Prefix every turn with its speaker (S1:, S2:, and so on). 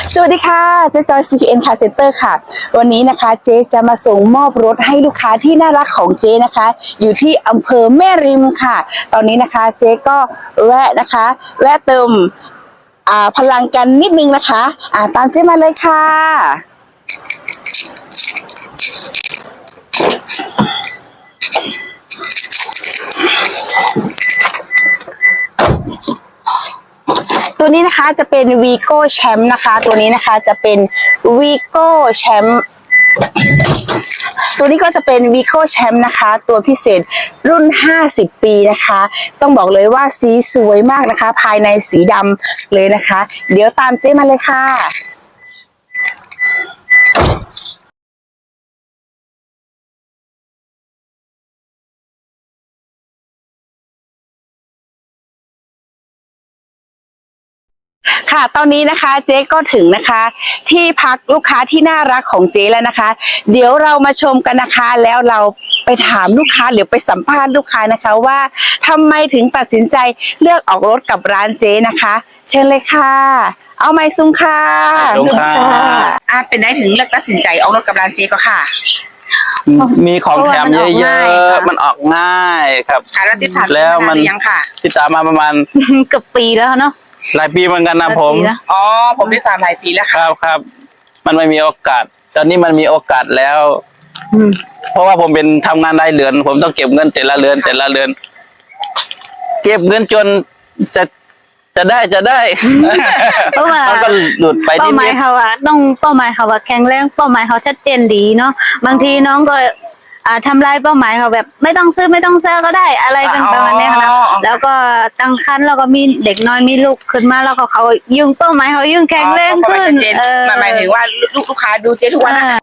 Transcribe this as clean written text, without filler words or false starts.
S1: สวัสดีค่ะเจ๊จอย CPN Car Center ค่ะวันนี้นะคะเจ๊จะมาส่งมอบรถให้ลูกค้าที่น่ารักของเจ๊นะคะอยู่ที่อำเภอแม่ริมค่ะตอนนี้นะคะเจ๊ก็แวะเติมพลังกันนิดนึงนะคะตามเจ๊มาเลยค่ะตัวนี้นะคะจะเป็น Vigo Champ นะคะตัวนี้นะคะจะเป็น Vigo Champ ตัวนี้ก็จะเป็น Vigo Champ นะคะตัวพิเศษรุ่น50ปีนะคะต้องบอกเลยว่าสีสวยมากนะคะภายในสีดำเลยนะคะเดี๋ยวตามเจ๊มาเลยค่ะค่ะตอนนี้นะคะเจ๊ก็ถึงนะคะที่พักลูกค้าที่น่ารักของเจ๊แล้วนะคะเดี๋ยวเรามาชมกันนะคะแล้วเราไปถามลูกค้าหรือไปสัมภาษณ์ลูกค้านะคะว่าทำไมถึงตัดสินใจเลือกออกรถกับร้านเจ๊นะคะเชิญเลยค่ะเอาไมค์ซุ้มค่ะเป็นได้ถึงเลือกตัดสินใจออกรถกับร้านเจ๊ก็ค่ะ
S2: มีของแถมเยอะๆมันออกง่ายครับ
S1: แล้วติดตาม
S2: แล้วมัน
S1: ยังค่ะ
S2: ติดตามมาประมาณ
S3: เกือบปีแล้วเนาะ
S2: หลายปีเหมือนกันนะผม
S1: ผมติดตามหลายปีแล้ว
S2: ครับมันไม่มีโอกาสตอนนี้มันมีโอกาสแล้วเพราะว่าผมเป็นทำงานรายเดือนผมต้องเก็บเงินแต่ละเดือนเก็บเงินจนจะได้
S3: เพราะว่า
S2: มันก็หลุดไป
S3: เป้าหมายเขาอะต้องเป้าหมายเขาว่าแข็งแรงเป้าหมายเขาชัดเจนดีเนาะบางทีน้องก็ทำลายเป้าหมายเขาแบบไม่ต้องซื้อก็ได้อะไรกันประมาณนี้นะแล้วก็ตั้งครรภ์แล้วก็มีเด็กน้อยมีลูกขึ้นมาแล้วก็เขายิ่งเป้าหมายเขายิ่งแข็งแรงขึ้น
S1: หมายถึงว่าลูกค้าดูเจ๊ทุกวัน